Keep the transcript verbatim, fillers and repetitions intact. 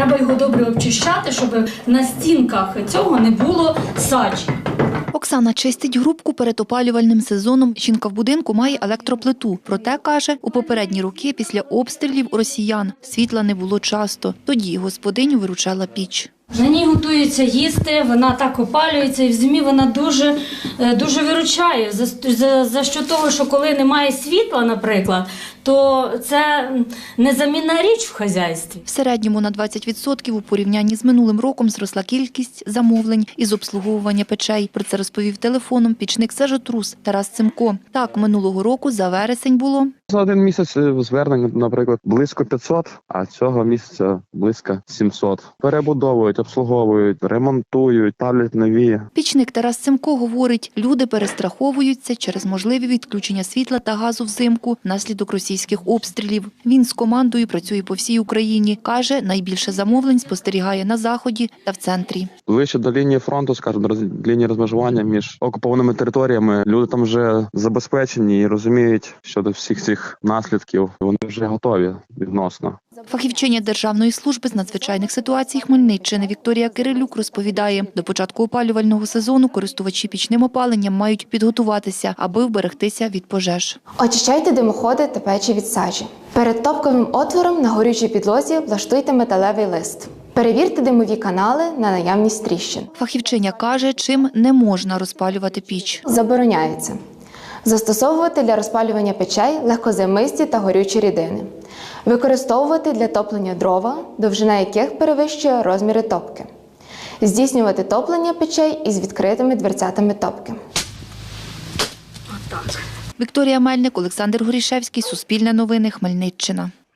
треба його добре обчищати, щоб на стінках цього не було сажі. Оксана чистить грубку перед опалювальним сезоном. Жінка в будинку має електроплиту. Проте, каже, у попередні роки після обстрілів росіян світла не було часто. Тоді господиню виручала піч. На ній готується їсти, вона так опалюється, і в зимі вона дуже, дуже виручає. За, за, за що того, що коли немає світла, наприклад, то це незамінна річ в хазяйстві. В середньому на двадцять відсотків у порівнянні з минулим роком зросла кількість замовлень із обслуговування печей. Про це розповів телефоном пічник «Сажотрус» Тарас Цимко. Так, минулого року за вересень було... За один місяць звернень, наприклад, близько п'ятсот, а цього місяця близько сімсот. Перебудовують, обслуговують, ремонтують, ставлять нові. Пічник Тарас Цимко говорить, люди перестраховуються через можливі відключення світла та газу взимку внаслідок російських обстрілів. Він з командою працює по всій Україні. Каже, найбільше замовлень спостерігає на Заході та в центрі. Ближче до лінії фронту, скажімо, до лінії розмежування між окупованими територіями, люди там вже забезпечені і розуміють щодо всіх цих наслідків. Вони вже готові відносно. Фахівчиня Державної служби з надзвичайних ситуацій Хмельниччини Вікторія Кирилюк розповідає, до початку опалювального сезону користувачі пічним опаленням мають підготуватися, аби вберегтися від пожеж. Очищайте димоходи та печі від сажі. Перед топковим отвором на горючій підлозі влаштуйте металевий лист. Перевірте димові канали на наявність тріщин. Фахівчиня каже, чим не можна розпалювати піч. Забороняється застосовувати для розпалювання печей легкозаймисті та горючі рідини. Використовувати для топлення дрова, довжина яких перевищує розміри топки. Здійснювати топлення печей із відкритими дверцятами топки. Вікторія Мельник, Олександр Горішевський, Суспільне новини, Хмельниччина.